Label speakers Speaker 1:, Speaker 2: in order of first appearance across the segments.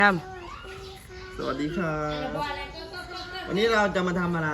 Speaker 1: ครับ
Speaker 2: สวัสดีครับวันนี้เราจะมาทำอะไร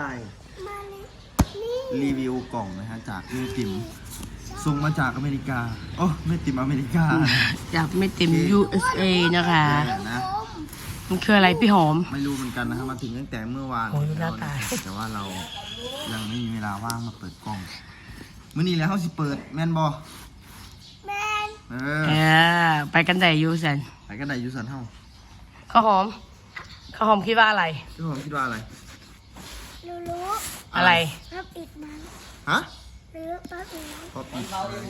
Speaker 2: รีวิวกล่องนะฮะจากแม่ติ๋มส่งมาจากอเมริกาโอ้แม่ติ๋มอเมริกา
Speaker 1: จากไม่เต็ม USA นะคะ
Speaker 2: นะ
Speaker 1: มันคืออะไรพี่หอม
Speaker 2: ไม่รู้เหมือนกันนะครับมาถึงตั้งแต่เมื่อวาน
Speaker 1: โอ้ยหน้าตา
Speaker 2: แต่ว่าเรายังไม่มีเวลาว่างมาเปิดกล่องมื้อนี้แล้วเขาสิเปิดแม่นบอแม่น
Speaker 1: ไปกันแต่ยูสัน
Speaker 2: ไปกันได้อยูสันเฮ้า
Speaker 1: ข้าวหอมคิดว่าอะไร
Speaker 2: พี่ผมคิดว่าอะไร
Speaker 3: รู้
Speaker 1: อะไร
Speaker 3: รับอิดมัน
Speaker 2: ฮะ
Speaker 3: รู้รับอิดมัน
Speaker 2: พอปิด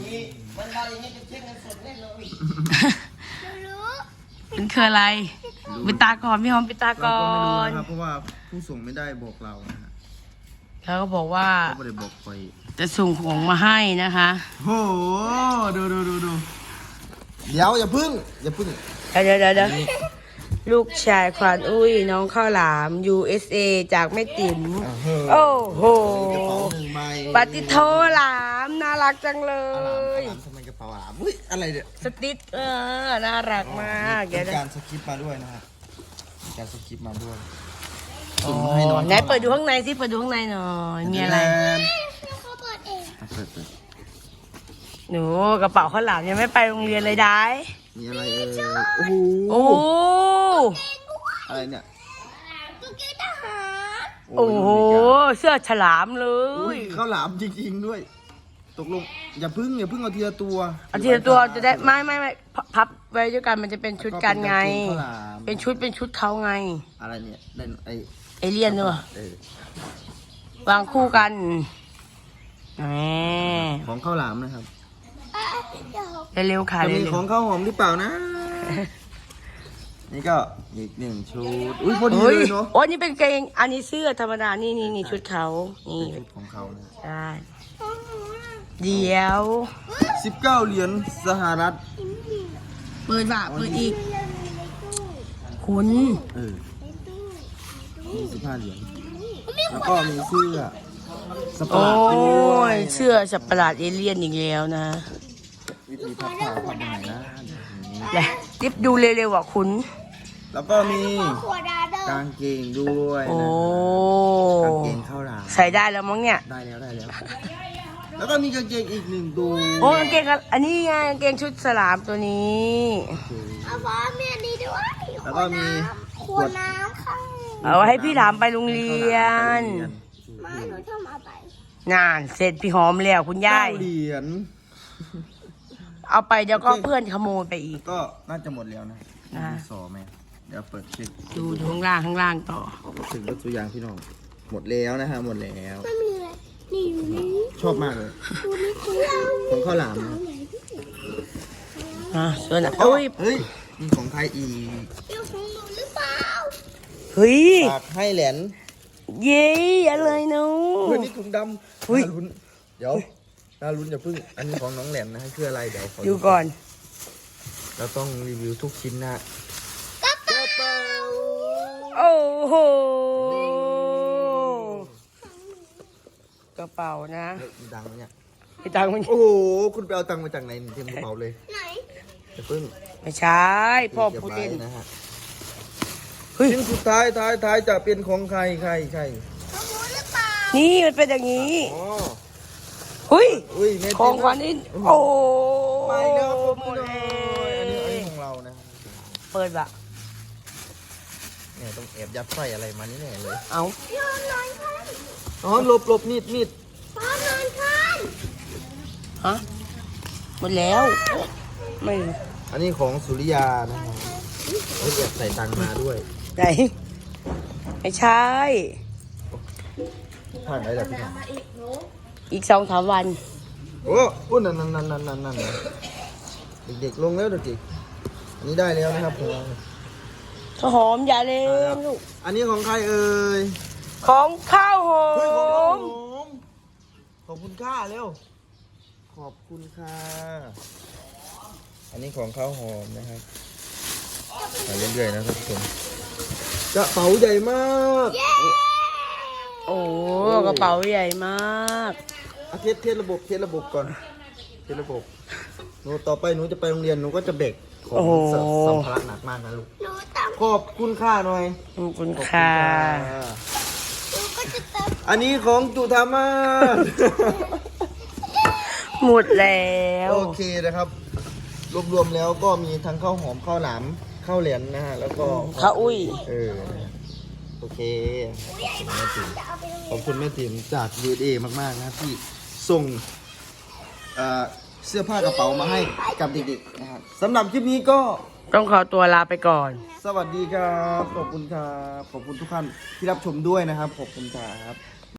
Speaker 3: รู้
Speaker 1: มันคืออะไรปิดตาก่อนพี่หอมปิดตา
Speaker 2: เรา
Speaker 1: ก่อ
Speaker 2: ก็ไม่รู้
Speaker 1: น
Speaker 2: นะครับเพราะว่าผู้ส่งไม่ได้บอกเรานะฮะ
Speaker 1: เขาก็บอกว่า
Speaker 2: เขาไม่ได้บอกไป
Speaker 1: จะส่งของมาให้นะคะ
Speaker 2: โอ้โหดูเดี๋ยวอย่าพึ่ง
Speaker 1: เดี๋ยวลูกชายควานอุ้ยน้องข้าวหลาม USA จากแม่ติ๋มโอ้โห
Speaker 2: กระเป๋าหนึ่งใบ
Speaker 1: ปฏิโทหลามน่ารักจังเลย
Speaker 2: ทำไมกระเป๋าหลามอุ้ยอะไรเนี่ย
Speaker 1: สติ๊ดน่ารักมากเดี๋ยว
Speaker 2: มี
Speaker 1: นะ
Speaker 2: การสคริปต์มาด้วยนะฮะมีการสคริปต์มาด้วย
Speaker 1: อ๋อ
Speaker 2: ส่งมาให้น้อง
Speaker 1: ไหนเปิดดูข้างในสิเปิดดูข้างในหน่อยมีอะไร
Speaker 3: เขาเปิดเอง
Speaker 2: เปิด
Speaker 1: หนูกระเป๋าข้าวหลามยังไม่ไปโรงเรียนเลยได้
Speaker 2: มีอะไรโอ้โห
Speaker 1: โอ้
Speaker 2: อะไรเนี่ย
Speaker 3: ตุ๊กตาทหาร
Speaker 1: โอ้โหเสื้อฉลามเล
Speaker 2: อุ้
Speaker 1: ย
Speaker 2: ยข้าวหลามจริงๆด้วย ตกลงอย่าพึ่งเอาทีละตัว
Speaker 1: เอาทีละตัวจะได้ไม่พับไว้ด้วยกันมันจะเป็นชุดกันไง
Speaker 2: ข้าวหลาม
Speaker 1: เป็นชุดเขาไง
Speaker 2: อะไรเนี่ยได้
Speaker 1: เอเลี่ยนเนอะ
Speaker 2: เออ
Speaker 1: วางคู่กันแหม
Speaker 2: ของข้าวหลามนะครับ
Speaker 3: เดี๋ยว
Speaker 1: เร็วๆค่ะ
Speaker 2: จะมี
Speaker 1: เร็ว
Speaker 2: ของข้าวหอมหรือเปล่านะ นี่ก็อีกหนึ่งชุดอุ้ยพอ
Speaker 1: ๆ
Speaker 2: ดี
Speaker 1: เฮ้
Speaker 2: เลย ยเนาะ
Speaker 1: โอ้นี่เป็นเกงอันนี้เสื้อธรรมดานี่ชุดเขานี่
Speaker 2: เป็นชุดของเขานะ
Speaker 1: ได้
Speaker 3: ของหนูน่ะ
Speaker 1: เดี๋ยว
Speaker 2: 19 เหรียญสหรัฐ
Speaker 1: เปิดบ่าเปิดอีก
Speaker 3: เรื่องมีในตู้
Speaker 1: คุณ
Speaker 2: เออ
Speaker 3: ในตู้
Speaker 2: มี15 เหรียญแล้วก็มีเสื้อสปา
Speaker 1: โอ้
Speaker 2: ร์ตด้วย
Speaker 1: ยเสื้อสัตว์ประหลาดเอเลี่ยนอีกแล้วนะ
Speaker 2: วิธีพับผ้าพับยังไงนะอย่างนี้
Speaker 1: แหละติ๊บดูเร็วๆอ่ะคุณ
Speaker 2: แล้วก็มี
Speaker 3: ขวดดาเดอร์
Speaker 2: กางเกงด้วย
Speaker 1: โอ้
Speaker 2: นะกางเกงข้าวหลาม
Speaker 1: ใส่ได้แล้วมั้งเนี่ย
Speaker 2: ได้แล้วแล้วก็มีกางเกงอีกหนึ่งตัว
Speaker 1: โอ้กางเกงอันนี้ไงกางเกงชุดสลามตัวนี้
Speaker 3: เอาฟ้ามีอันนี้ด้วย
Speaker 2: แล้วก็มี
Speaker 3: ขวดน้ำค่ะ
Speaker 1: เอาไว้ให้พี่ถามไปโรงเรียน
Speaker 3: มาหนูชอบเอาไป
Speaker 1: นานเสร็จพี่หอมแล้วคุณยาย
Speaker 2: 9 เหรียญ
Speaker 1: เอาไปเดี๋ยวก็เพื่อนขโมยไปอีก
Speaker 2: ก็น่าจะหมดแล้วนะ
Speaker 1: อ่า
Speaker 2: มีสอไหมเดี๋ยวเปิดเช็ค
Speaker 1: ดูข้างล่างต่อ
Speaker 2: ถึงรถตัวอย่างพี่น้องหมดแล้วนะฮะหมดแล้ว
Speaker 3: ไม่มีอะไรนี่อยู่นี่
Speaker 2: ชอบมากเลย
Speaker 3: ดูนี่คือ
Speaker 2: ของข้าวหลามนะ
Speaker 1: ส่วน
Speaker 2: โอ้
Speaker 1: โอ้ย
Speaker 2: เฮ้ยมีของไทยอีก
Speaker 3: เดี๋ยวของหนูหรือเปล่า
Speaker 1: เฮ้ย
Speaker 2: ฝากให้แหลน
Speaker 1: เย้อะไรเนาะ
Speaker 2: เฮ้ยนี่ถุงดำ
Speaker 1: เฮ้ย
Speaker 2: น่าลุ้นเดี๋ยวน่าลุ้นอย่าพึ่งอันนี้ของน้องแหลมนะฮะคืออะไรเดี๋ยวขอ
Speaker 1: ดูก่อน
Speaker 2: เราต้องรีวิวทุกชิ้นนะกระเป๋า
Speaker 1: โอ้โหกระเป๋านะ
Speaker 2: เฮ้ยมีตังค์ไหมเนี่ย
Speaker 1: พี่ตังค์มัน
Speaker 2: โอ้โหคุณไปเอาตังค์มาจากไหนเต็มกระเป๋าเลย
Speaker 3: ไหน
Speaker 2: อย่าพึ่ง
Speaker 1: ไม่ใช่พ่อ
Speaker 2: ก็บ
Speaker 1: พูด
Speaker 2: ไว้
Speaker 1: เล่น
Speaker 2: นะฮะ
Speaker 1: เฮ้ย
Speaker 2: ชิ้นสุดท้ายจะเป็นของใคร
Speaker 3: ของหนูหรือเปล่า
Speaker 1: นี่มันเป็นอย่างนี้
Speaker 2: อ๋อ
Speaker 1: เฮ้ย
Speaker 2: อุ้ยเม
Speaker 1: ของขวัญนี่โอ้
Speaker 2: ไปแล้ว
Speaker 1: หมด
Speaker 2: เล
Speaker 1: เลย
Speaker 2: อันนี้
Speaker 1: ย
Speaker 2: ของเรานะ
Speaker 1: เปิดบะ
Speaker 2: เนี่ยต้องแอบยัดไส้อะไรมานี่แน่เลย
Speaker 1: เอา
Speaker 3: นอนนอนคัน
Speaker 2: อ๋อหลบมีด
Speaker 3: ฟ้านอนคัน
Speaker 1: ฮะหมดแล้ว ไม่
Speaker 2: อันนี้ของสุริยานะฮะเฮ้ยแอบใส่ตังค์มาด้วย
Speaker 1: ไหนไม่ใช่
Speaker 2: ผ่านได้แล้วพี่หน่อย
Speaker 1: อีก2-3 วัน
Speaker 2: โอ้โอ้นั่นเด็กๆลงแล้วเด็กๆอันนี้ได้แล้วนะครับผม
Speaker 1: ข้าวหอมอย่าเล่นลูก
Speaker 2: อันนี้ของใครเอ่ย
Speaker 1: ของข้าวหอ
Speaker 2: เฮ้ยของน้อง
Speaker 1: ม
Speaker 2: ผมขอบคุณค่าเร็วขอบคุณค่ะอันนี้ของข้าวหอมนะครับไปเรื่อยๆนะครับทุกคนกระเป๋าใหญ่มาก
Speaker 1: โอ้กระเป๋าใหญ่มาก
Speaker 2: เทสระบบก่อนเทสระบบหนูต่อไปหนูจะไปโรงเรียนหนูก็จะเบรกของสัมภาระหนักมากนะลูก
Speaker 3: หนูต้อง
Speaker 2: ขอบคุณค่าหน่อย
Speaker 1: ขอบคุณ
Speaker 2: ขอบคุณ
Speaker 1: ค่ะ
Speaker 3: หนูก็จะเติม
Speaker 2: อันนี้ของจุธามา
Speaker 1: หมดแล้ว
Speaker 2: โอเคนะครับ รวมๆแล้วก็มีทั้งข้าวหอมข้าวหลามข้าวเหรียญนะฮะแล้วก็
Speaker 1: ข้าวอุ้ย
Speaker 2: โอเคขอบคุณแม่ติ๋มจาก USA มากๆนะที่ส่งเสื้อผ้ากระเป๋ามาให้กับเด็กๆนะครับสำหรับคลิปนี้ก็
Speaker 1: ต้องขอตัวลาไปก่อน
Speaker 2: สวัสดีครับ ขอบคุณครับ ขอบคุณทุกท่านที่รับชมด้วยนะครับ ขอบคุณครับ